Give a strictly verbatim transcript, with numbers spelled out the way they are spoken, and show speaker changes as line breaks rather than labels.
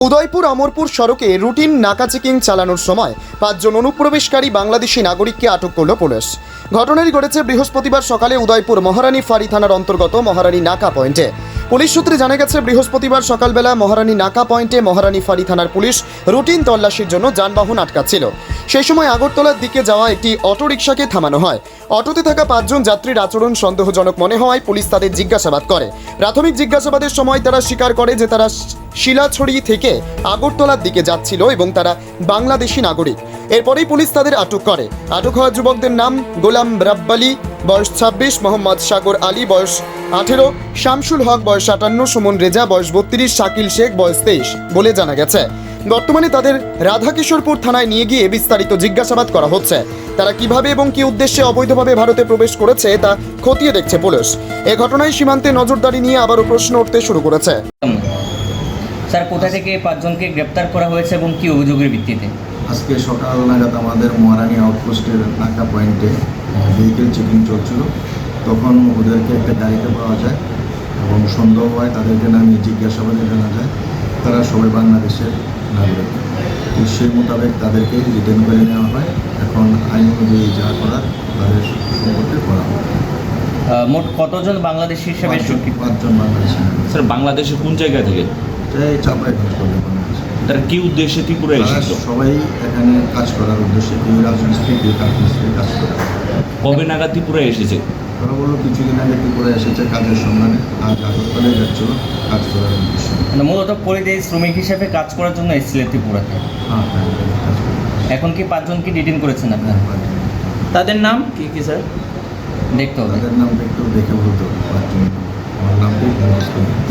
উদয়পুর অমরপুর সড়কে রুটিন নাকা চেকিং চালানোর সময় পাঁচজন অনুপ্রবেশকারী বাংলাদেশি নাগরিককে আটক করল পুলিশ। ঘটনাটি ঘটেছে বৃহস্পতিবার সকালে উদয়পুর মহারানী ফাঁড়ি থানার অন্তর্গত মহারানী নাকা পয়েন্টে। পুলিশ সূত্রে জানা গেছে, বৃহস্পতিবার সকালবেলা মহারানী নাকা পয়েন্টে মহারানী ফাঁড়ি থানার পুলিশ রুটিন তল্লাশির জন্য যানবাহন আটকাচ্ছিল। সেই সময় আগরতলার দিকে যাওয়া একটি অটোরিকশাকে থামানো হয়। অটোতে থাকা পাঁচজন যাত্রীর আচরণ সন্দেহজনক মনে হওয়ায় পুলিশ তাদের জিজ্ঞাসাবাদ করে। প্রাথমিক জিজ্ঞাসাবাদের সময় তারা স্বীকার করে যে তারা শিলাছড়ি থেকে আগরতলার দিকে যাচ্ছিল এবং তারা বাংলাদেশি নাগরিক। এরপরেই পুলিশ তাদের আটক করে। আটক হওয়া যুবকদের নাম গোলাম রাব্বালি বয়স ছাব্বিশ, মোহাম্মদ সাগর আলী বয়স আঠেরো, শামসুল হক বয়স আটান্ন, সুমন রেজা বয়স বত্রিশ, শাকিল শেখ বয়স তেইশ বলে জানা গেছে। বর্তমানে তাদের রাধাকিশোরপুর থানায় নিয়ে গিয়ে বিস্তারিত জিজ্ঞাসাবাদ করা হচ্ছে। তারা কিভাবে এবং কি উদ্দেশ্যে অবৈধভাবে ভারতে প্রবেশ করেছে তা খতিয়ে দেখছে পুলিশ। এ ঘটনায় সীমান্তে নজরদারি নিয়ে আবারও প্রশ্ন উঠতে শুরু করেছে।
স্যার, কোথা থেকে পাঁচজনকে গ্রেপ্তার করা হয়েছে এবং কি অভিযোগের ভিত্তিতে?
আজকে সকাল নাগাদ আমাদের মহারানী আউটপোস্টের নাকা পয়েন্টে ভেহিকেল চেকিং চলছিল। তখন ওদেরকে একটা গাড়িতে পাওয়া যায় এবং সন্দেহ হয়, তাদেরকে নামিয়ে জিজ্ঞাসাবাদে জানা যায় তারা সবাই বাংলাদেশের নাগরিক। তো সেই মোতাবেক তাদেরকে রিটার্ন করে নেওয়া হয়। এখন আইন অনুযায়ী যা করার তাদের সম্পর্কে করা হয়।
মোট কতজন বাংলাদেশি হিসেবে?
পাঁচজন বাংলাদেশি নাগরিক।
স্যার, বাংলাদেশে কোন জায়গা থেকে?
এই চাপড়ায় কাজ করবে বাংলাদেশ।
তারা কি উদ্দেশ্যে ত্রিপুরা এসেছিল?
সবাই এখানে কাজ করার উদ্দেশ্যে, কেউ রাজমিস্ত্রি, কেউ কাঠমিস্ত্রি কাজ করে।
কবে নাগাদ ত্রিপুরা এসেছে?
তারা বললো কিছুদিন আগে ত্রিপুরা এসেছে কাজের সন্ধানে, আজ আগরতলায় যাচ্ছিল কাজ করার উদ্দেশ্যে।
মানে মূলত পরিযায়ী শ্রমিক হিসেবে কাজ করার জন্য এসেছিলেন ত্রিপুরাতে।
হ্যাঁ হ্যাঁ কাজ করে।
এখন কি পাঁচজনকে ডিটেইন করেছেন আপনারা?
তাদের নাম কি কি স্যার?
দেখতে হবে।
তাদের নামটা একটু দেখে বলতে হবে। পাঁচজন আমার নামটাই মুখস্থ নেই।